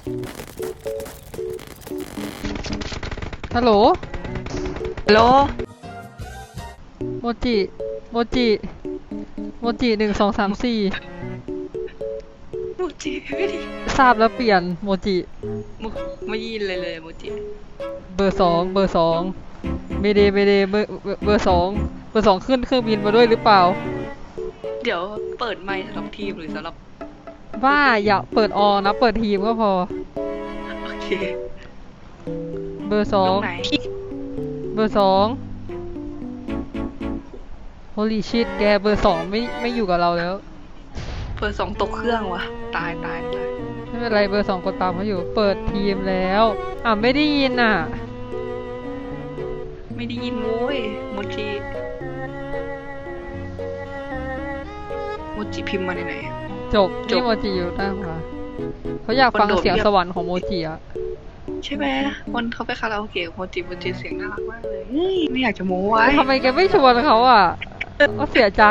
ฮัลโหลฮัลโหลโมจิโมจิโมจิ1234 โมจิไม่ดีทราบแล้วเปลี่ยนโมจิไม่ยินเลยโมจิเบอร์สองเมเดเบอร์สองขึ้นเครื่องบินมาด้วยหรือเปล่าเดี๋ยวเปิดไมค์สำหรับทีมหรือสำหรับว่าอย่าเปิดออนะเปิดทีมก็พอโอเคเบอร์สองเบอร์สอง Holy shit แกเบอร์สองไม่อยู่กับเราแล้วเบอร์สองตกเครื่องวะตายไม่เป็นไรเบอร์สองกดตามเขาอยู่เปิดทีมแล้วไม่ได้ยินไม่ได้ยินโว้ยโมจิพิมพ์มาไหนจบนี่โมจิอยู่หน้าขวาเขาอยากฟังเสียงสวรรค์ของโมจิอะใช่ไหมวันเขาไปคาราโอเกะโมจิเสียงน่ารักมากเลยไม่อยากจะโม้ไว้ทำไมแกไม่ชวนเขาก็เสียใจ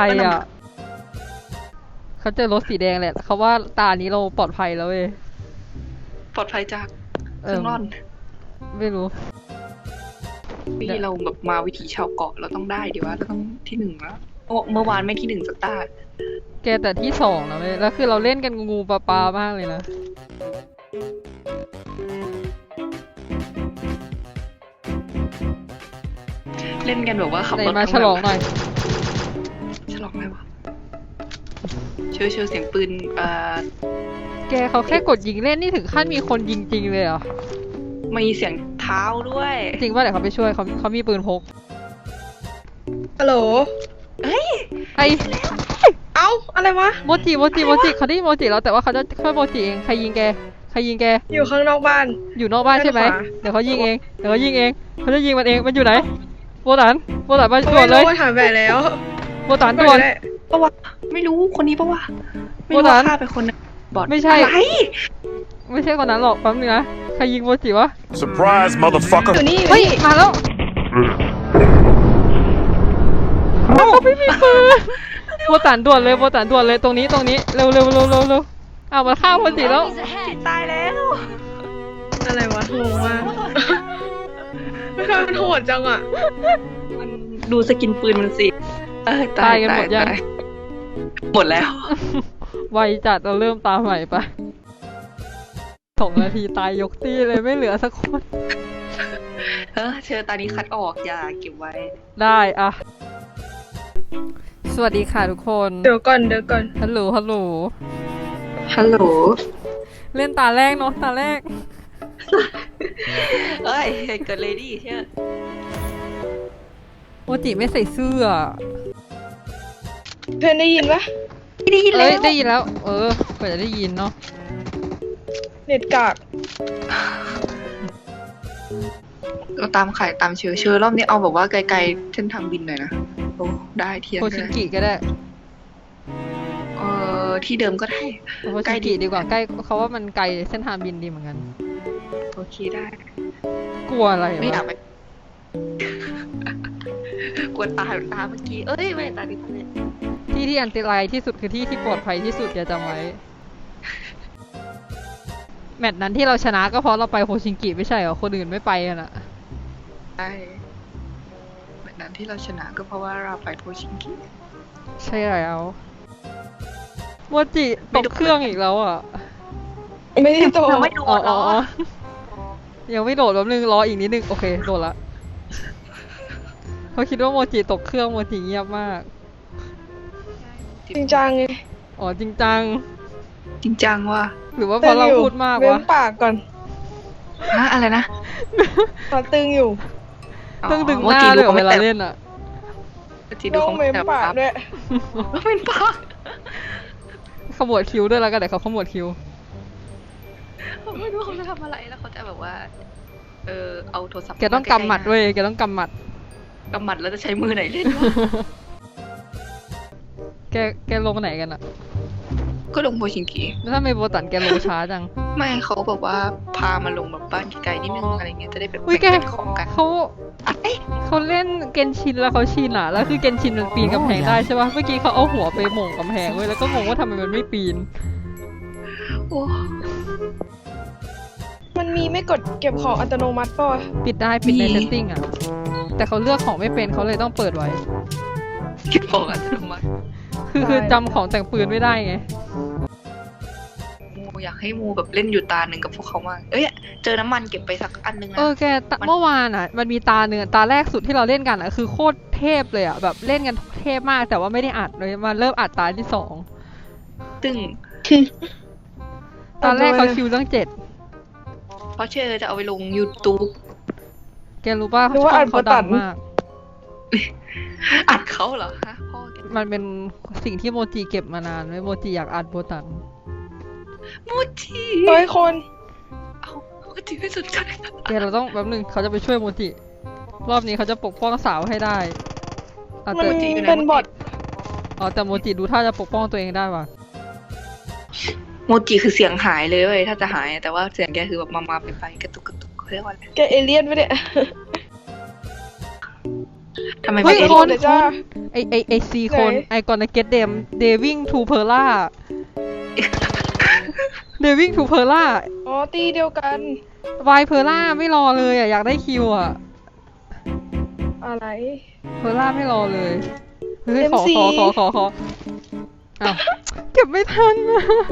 เขาเจอรถสีแดงแหละเขาว่าตานี้เราปลอดภัยแล้วเว้ยปลอดภัยจากเครื่องร่อนไม่รู้ที่เราแบบมาวิถีชาวเกาะเราต้องได้ดีว่าเราต้องที่หนึ่งแล้วเมื่อวานไม่ที่หนึ่งสตาร์แกแต่ที่สองนะเว้ยแล้วคือเราเล่นกันงูปลามากเลยนะเล่นกันแบบว่าขับรถมาฉลองหน่อยฉลองอะไรวะเชื่อเสียงปืนแกเขาแค่กดยิงเล่นนี่ถึงขั้นมีคนยิงจริงเลยเหรอมีเสียงเท้าด้วยจริงว่าเดี๋ยวเขาไปช่วยเขามีปืนพกฮัลโหลเฮ้ยเอ้าอะไรวะโมจิเขาได้โมจิแล้วแต่ว่าเขาจะช่วยโมจิเองใครยิงแกอยู่ข้างนอกบ้านอยู่นอกบ้านใช่ไหมเดี๋ยวเขายิงเองเขาจะยิงมันเองมันอยู่ไหนโบตันมาด่วนเลยถามแบบแล้วโบตันด่วนปะวะไม่รู้คนนี้ปะวะไม่รู้ฆ่าไปคนนึงบอดไม่ใช่ไม่ใช่คนนั้นหรอกแป๊บนึงนะใครยิงโมจิวะ Surprise motherfucker เฮ้ยมาแล้วเขาไม่มีปืนโบตันด่วนเลยตรงนี้เร็วมาฆ่าโมจิแล้วตายแล้วอะไรวะงงมากมันโหดจังอ่ะมันดูสกินปืนมันสิตายกันหมดยังหมดแล้วไวจัดเราเริ่มตามใหม่ไป2 นาทีตายยกตี้เลยไม่เหลือสักคนเชิญตอนนี้คัดออกอย่าเก็บไว้ได้สวัสดีค่ะทุกคนเดี๋ยวก่อนฮัลโหลเล่นตาแรกเนาะตาแรกเอ้ยเกิดเลดี้เชื่อโมจิไม่ใส่เสื้อเพื่อนได้ยินปะได้ยินแล้วกว่าจะได้ยินเนาะเน็ตกากเราตามเชื้อรอบนี้เอาแบบว่าไกลๆเส้นทางบินหน่อยนะโอ้ได้เทียนโคชิกิก็ได้ที่เดิมก็ได้ใกล้ดีกว่าใกล้เขาว่ามันไกลเส้นทางบินดีเหมือนกันโอเคได้กลัวอะไรไม่อยากไปกลัวตาเมื่อกี้ไม่ตาดิเนี่ยที่อันตรายที่สุดคือที่ปลอดภัยที่สุดอย่าจำไว้แมตช์นั้นที่เราชนะก็เพราะเราไปโฮชิงกิไม่ใช่เหรอคนอื่นไม่ไปกันอะใช่แมตช์นั้นที่เราชนะก็เพราะว่าเราไปโฮชิงกิใช่แล้วโมจิตกเครื่องอีกแล้วอ่ะไม่ได้ตกไม่โดดหรอยังไม่โดดแป๊บนึงรออีกนิดนึงโอเคโดดละเขาคิดว่าโมจิตกเครื่องโมจิเงียบมากจริงจังไงจริงจังว่ะหรือว่าเพราะเราพูดมากวะเว้นปากก่อนอะไรนะตึงอยู่ตึงหน้าเลยเวลาเล่นอ่ะต้องเว้นปากด้วยเว้นปากขมวดคิ้วด้วยแล้วกันแต่เขาขมวดคิ้วไม่รู้เขาจะทำอะไรแล้วเขาจะแบบว่าเอาโทรศัพท์แกต้องกำหมัดเว้ยแกต้องกำหมัดแล้วจะใช้มือไหนเล่นวะแกลงไหนกันอะก็ลงโฮชิงกิแล้วถ้าไม่โบตันแกลงช้าจังไม่เขาบอกว่าพามาลงแบบบ้านไกลนิดนึงอะไรเงี้ยจะได้แบบเป็นของกันเขาเล่นเกนชินแล้วเขาชินอะแล้วคือเกนชินมันปีนกำแพงได้ใช่ป่ะเมื่อกี้เขาเอาหัวไปหม่งกำแพงเว้ยแล้วก็งงว่าทำไมมันไม่ปีนมันมีไม่กดเก็บของอัตโนมัติป่ะวะปิดได้ปิดในเซตติ้งอะแต่เขาเลือกของไม่เป็นเขาเลยต้องเปิดไว้คิดบอกอัตโนมัติคือจำของแต่งปืนไม่ได้ไงมูอยากให้มูแบบเล่นอยู่ตาหนึ่งกับพวกเขามากเอ้ยเจอน้ำมันเก็บไปสักอันนึงนะแกเมื่อวานอ่ะ มันมีตาเนื้อตาแรกสุดที่เราเล่นกันอ่ะคือโคตรเทพเลยอ่ะแบบเล่นกันเทพมากแต่ว่าไม่ได้อัดเลยมาเริ่มอัดตาที่สองตึงตอนแรกเขาคิวเรื่อง7 เพราะเชื่อจะเอาไปลง YouTube แกรู้ป่ะหรือว่าช่อัองดเขาประตัดันงมากอัดเขาเหรอฮะพ่อแกมันเป็นสิ่งที่โมจิเก็บมานานไว้โมจิอยากอัดโบตันมูจิเฮ้ยคนเอามูจิไม่สนใจแกเราต้องแป๊บนึงเขาจะไปช่วยโมจิรอบนี้เขาจะปกป้องสาวให้ได้อ่ะมันแต่เป็นบอทแต่โมจิดูท่าจะปกป้องตัวเองได้ว่ะโมจิคือเสียงหายเลยเว้ยถ้าจะหายแต่ว่าเสียงแกคือแบบมาไปกระตุกเขาเรียกว่าอะไรแกเอเลี่ยนไปะเนี่ยทำไมเฮ้ไม่ยเอ็นคนเดี๋ยวจ้าไอซีคนไหนไอกอนเกตเดมเดวิ่งทูเพอร์ล่าเดวิ่งทูเพอร์ล่าอ๋อตีเดียวกันวายเพอร์ล่าไม่รอเลยอ่ะอยากได้คิวอ่ะอะไรเพอร์ล่าไม่รอเลยเฮ้ยขอ MC อ้าวเก็บไม่ทันอะ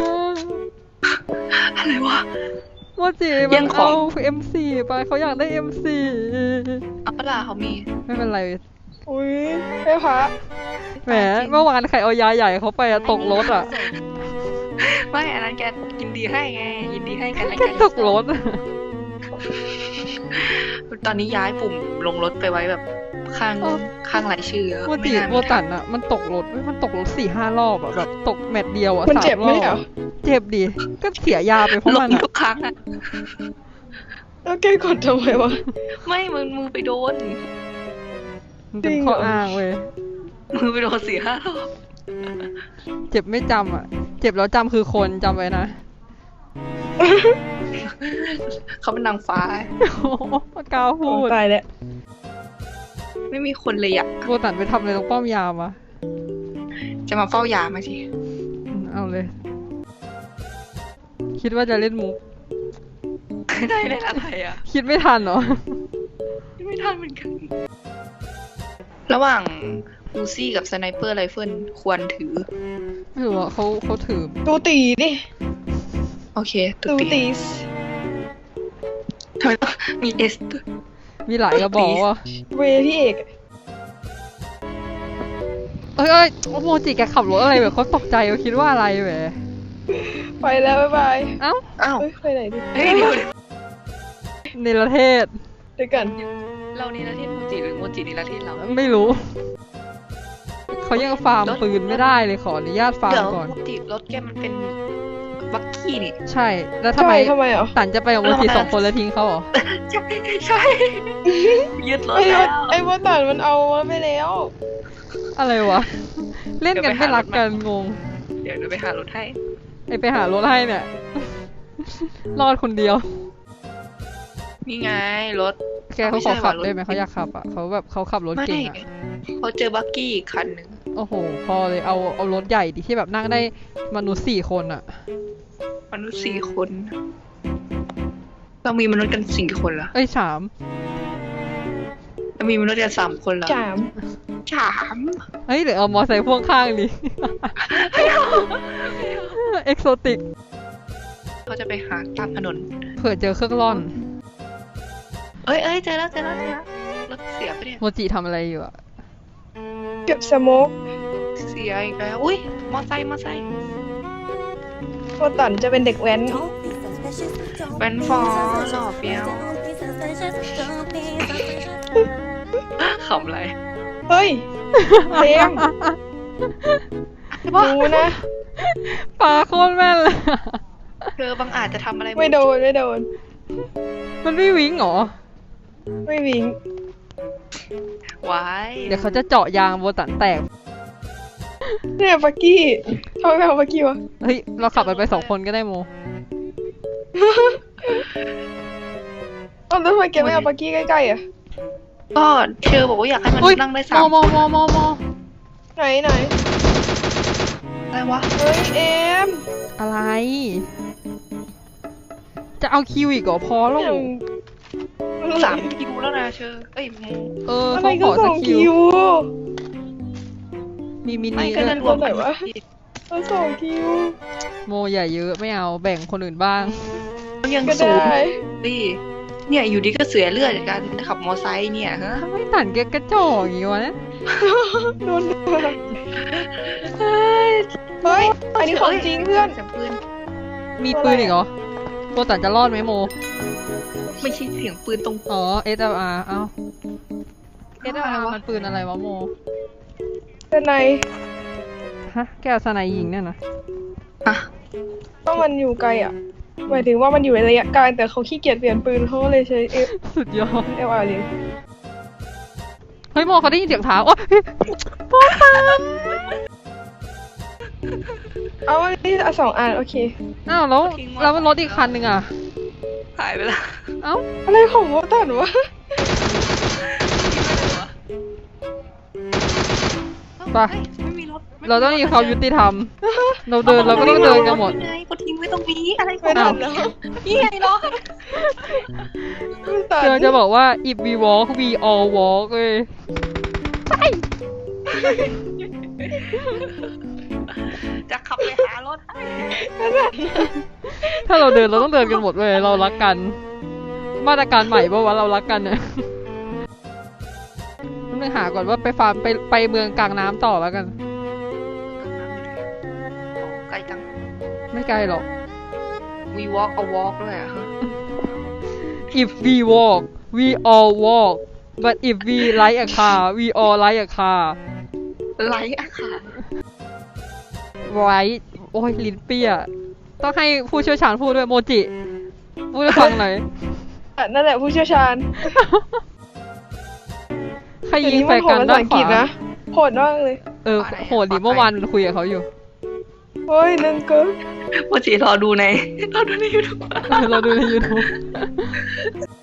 อะไรวะโมจิแย่มันงของเอา MC ไปเขาอยากได้ MC เอาเปล่าเขามีไม่เป็นไรอุ้ยแม่พระแหมเมื่อวานใครเอายาใหญ่เขาไปอะตกรถอ่ะไม่อันนั้นแกยินดีให้ไงยินดีให้กันและแค่กันตกรถอะตอนนี้ย้ายปุ่มลงรถไปไว้แบบข้างรายชื่อโมจิน่าโมตันอะมันตกรถเว้ยมันตกรถ4-5 รอบอะแบบตกแมตช์เดียวอะมัน 3 เจ็บไหมรอบเหรอเจ็บดิก็เสียยาไปเพราะลมันงอะทุกครั้งอะแล้วแกกดทำไมวะไม่มือไปโดนมันเป็นข้ออ้างเว้ยมือไปโดน4-5 รอบเจ็บไม่จำอะเจ็บแล้วจำคือคนจำไว้นะเขาเป็นนางฟ้าโอ้โหปากกาพูดตายแล้วไม่มีคนเลยอะโบตันไปทำอะไรตรงป้อมยามอะจะมาเฝ้ายามาสิเอาเลย คิดว่าจะเล่นมุกได้เล่นอะไรอะคิดไม่ทันเหรอไม่ทันเหมือนกัน ระหว่างอูซี่กับสไนเปอร์ไรเฟิลควรถือไม่รู้อะเขาถือดูตีดิโอเคดูตีตีทำไมต้องมีเอสมีหลายกระบอกว่ะเวพี่เอกเอ้ยโมจิแกขับรถอะไรแบบเขาตกใจเขาคิดว่าอะไรแหมไปแล้วบ๊ายบายเอ้าอ้าวเฮ้ยไปไหนดิเฮ้ยเดี๋ยวในประเทศเดี๋ยวกันเรานี่ละเทศโมจิหรือโมจินี่ละเทศเราไม่รู้ เขายังฟาร์มปืนไม่ได้เลยขออนุญาตฟาร์มเดี๋ยวก่อนโมจิรถแกมันเป็นบักกี้นี่ใช่ แล้วทำไมทำไมอ่ะตันจะไปกับโมจิ2 คนแล้วทิ้งเขาเหรอใช่ยึดรถไอ้แล้วไอ้บอตันมันเอาไปแล้วอะไรวะ เล่นกันไม่รักกันงงเดี๋ยวไปหารถให้ไปหารถให้เนี่ย รอดคนเดียวนี่ไงรถแกเขาขอขับได้ไหมเขาอยากขับอ่ะเขาแบบเขาขับรถไม่เก่งอ่ะเขาเจอบักกี้อีกคันหนึ่งโอ้โห พอเลยเอารถใหญ่ดิที่แบบนั่งได้มนุษย์4 คนอ่ะมนุษย์4 คน เรามีมนุษย์กัน4 คนเหรอเอ้ย3 เรามีมนุษย์กัน3 คนเหรอจาม 3 เฮ้ยหรือเอามอไซค์พ่วงข้างดิ เอ็กโซติกเขาจะไปหาตามถนนเผื่อเจอเครื่องร่อนเอ้ยเจอแล้วรถเสียไปเนี่ยโมจิทำอะไรอยู่อ่ะเก็บสโมกเสียอีกแล้วอุ้ยมอไซค์บอตันจะเป็นเด็กแว้นเป็นฟอหล่อเฟี้ยวขำอะไรเฮ้ยเพลงดูนะปลาโคตรแม่นเลยเธอบางอาจจะทำอะไรไม่โดนมันไม่วิ่งเหรอไม่วิ่งไว้เดี๋ยวเขาจะเจาะยางโบตันแตกเนี่ยปักกี้ทำไมไม่เอาปักกี้วะเฮ้ย เราขับไป2 คนก็ได้โมเอาแล้วทำไมแกไม่เอาปักกี้ใกล้ๆอ่ะก็เชอบอกว่าอยากให้มันอุ๊ยนั่งได้โม 3 ไหนอะไรวะเฮ้ยเอมอะไร จจะเอาคิวอีกเหรอพอแล้วอย่าง 3 คิวแล้วนะเชอเอ้ยโมอะไรเขาขก็อสสัอก งคิคิววมีมิไม่นิก็ด้วจะยรวมกันก็สองคิวโมอย่าเยอะไม่เอาแบ่งคนอื่นบ้างมันยังก็สูงได้ดิเนี่ยอยู่ดีก็เสียเลือดจากการขับมอไซค์เนี่ยฮะทำไมตันแกกระจอกอย่างงี้วะเนี่ยโดนด่าเฮ้ย อันนี้ของจริงเพื่อนเสียงปืนมีปืนอีกเหรอโมตันจะรอดไหมโมไม่ใช่เสียงปืนตรงอ๋อ SLR เอ้าอะไร SLR วะมันปืนอะไรวะโมเป็นไงฮะ แกเอาสไนยิงเนี่ยนะอ่ะต้องมันอยู่ไกลอ่ะ หมายถึงว่ามันอยู่ในระยะไกลแต่เขาขี้เกียจเปลี่ยนปืนเขาก็เลยใช้สุดยอด FLR เลยเฮ้ยโมเขาได้ยินเสียงเท้าโอ๊ยโมตันเอาอันนี้สองอันโอเคอ้าวแล้วรถอีกคันหนึ่งอ่ะหายไปแล้วเอ้าอะไรของโมตันวะไปไม่มีรถเราต้องมีความยุติธรรม เราเดินเราก็ต้องเดินกันหมดไงก็ทิ้งไว้ตรงนี้อะไรขอไม่งทัเรานแล้วนี่ไงรถไม่ทันเดี๋ยวจะบอกว่า if we walk we all walk เว้ยจะขับไปหารถให้ถ้าเราเดินเราต้องเดินกันหมดเว้ยเรารักกัน มาตรการใหม่ป่าวะเรารักกันเนี่ยต้องหาก่อนว่าไปฟาร์มไปเมืองกลางน้ำต่อแล้วกันไกลจังไม่ไกลหรอก we walk a walk ด้วยอะฮะ if we walk we all walk but if we like a car we all like a car ไลท์อะค่ะ right โอ้ยลิ้นเปี้ย ต้องให้ผู้เชี่ยวชาญพูดด้วยโมจิ พูดให้ฟังหน่อยนั่นแหละผู้เชี่ยวชาญใครเดี๋ยวยิงนี้แฟมันร์โหกัดนภาด้าษาน อังขกฤษวานะโหดมากเลยโหดดิเมื่อวานมันคุยกับเขาอยู่เฮ้ยนั่นก็ว่าจีรอดูใน YouTube เราดูใน YouTube